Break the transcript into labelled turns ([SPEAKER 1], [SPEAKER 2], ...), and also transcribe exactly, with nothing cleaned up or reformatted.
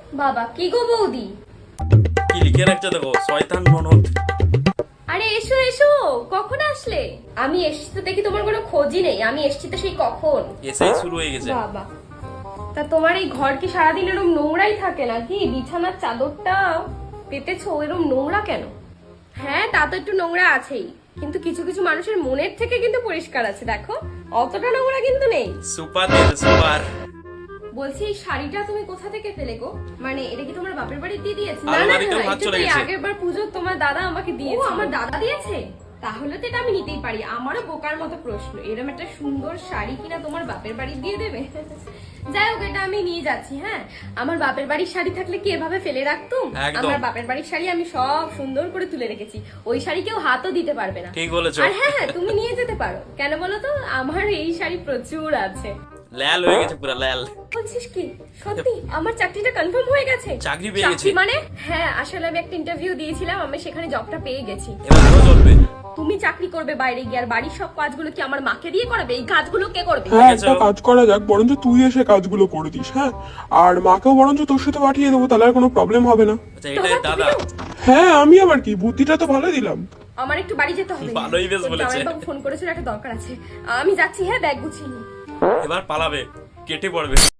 [SPEAKER 1] বাবা কি গো বৌদি,
[SPEAKER 2] কি লিখে রাখছে দেখো, শয়তান ননদ।
[SPEAKER 1] আরে এসো এসো, কখন আসলে? আমি এসেছি তো দেখি তোমার কোনো খোঁজই নেই। আমি এসেছি তো সেই কখন।
[SPEAKER 2] এসেই শুরু হয়ে গেছে।
[SPEAKER 1] বাবা, তা তোমার এই ঘর কি সারাদিন এরকম নোংরাই থাকে নাকি? বিছানার চাদরটা পেতেছো এরকম নোংরা কেন? হ্যাঁ, তা তো একটু নোংরা আছেই, কিন্তু কিছু কিছু মানুষের মনের থেকে কিন্তু পরিষ্কার আছে। দেখো, অতটা নোংরা কিন্তু নেই।
[SPEAKER 2] সুপার দিয়েছে, সুপার।
[SPEAKER 1] বলছি এই শাড়িটা তুমি কোথা থেকে পেলে গো? মানে এটা কি তোমার বাপের বাড়ি দিয়ে দিয়েছে? না না
[SPEAKER 2] আলমারিতেও
[SPEAKER 1] না,
[SPEAKER 2] হাত
[SPEAKER 1] এটা
[SPEAKER 2] চলে
[SPEAKER 1] তো এই
[SPEAKER 2] গেছে।
[SPEAKER 1] আগের বার পুজো তোমার দাদা আমাকে দিয়েছে। ও, আমার দাদা দিয়েছে? তাহলে তো এটা আমি নিতেই পারি। আমারও বোকার মতো প্রশ্ন, এরকম একটা সুন্দর শাড়ি কিনা তোমার বাপের বাড়ি দিয়ে দেবে? যাই হোক, এটা আমি নিয়ে যাচ্ছি। হ্যাঁ, আমার বাপের বাড়ির শাড়ি থাকলে কি এভাবে ফেলে রাখতুম?
[SPEAKER 2] একদম।
[SPEAKER 1] আমার বাপের বাড়ির শাড়ি আমি সব সুন্দর করে তুলে রেখেছি, ওই শাড়ি কেউ হাতও দিতে পারবে না।
[SPEAKER 2] ঠিক বলেছো।
[SPEAKER 1] আর হ্যাঁ হ্যাঁ, তুমি নিয়ে যেতে পারো। কেন বলো তো, আমার এই শাড়ি প্রচুর আছে।
[SPEAKER 2] লাল হয়ে গেছে, পুরো লাল।
[SPEAKER 1] বলছিস কি সত্যি আমার চাকরিটা কনফার্ম হয়ে গেছে?
[SPEAKER 2] চাকরি পেয়ে গেছি।
[SPEAKER 1] চাকরি মানে? হ্যাঁ, আসলে আমি একটা ইন্টারভিউ দিয়েছিলাম, আমি সেখানে জবটা পেয়ে গেছি।
[SPEAKER 2] এবার আরো চলবে।
[SPEAKER 1] তুমি চাকরি করবে বাইরে গিয়ে, আর বাড়ির সব কাজগুলো কি আমার মাকে দিয়ে করাবে? এই কাজগুলো কে করবে?
[SPEAKER 3] হ্যাঁ,
[SPEAKER 2] ঠিক আছে।
[SPEAKER 3] একটা কাজ করা যাক, বরঞ্চ তুই এসে কাজগুলো করে দিস। হ্যাঁ, আর মাকেও বরঞ্চ তোর সাথে পাঠিয়ে দেবো, তাহলে আর কোনো প্রবলেম হবে না।
[SPEAKER 2] আচ্ছা, এটাই দাদা।
[SPEAKER 3] হ্যাঁ, আমি আবার কি, বুদ্ধিটা তো ভালো দিলাম।
[SPEAKER 1] আমার একটু বাড়ি যেতে হবে।
[SPEAKER 2] ভালোই বেশ
[SPEAKER 1] তোর
[SPEAKER 2] বলেছে।
[SPEAKER 1] জামাইবাবু ফোন করেছিল, একটা দরকার আছে। আমি যাচ্ছি, হ্যাঁ, ব্যাগ গুছিয়ে নিই।
[SPEAKER 2] এবার পালাবে, কেটে পড়বে।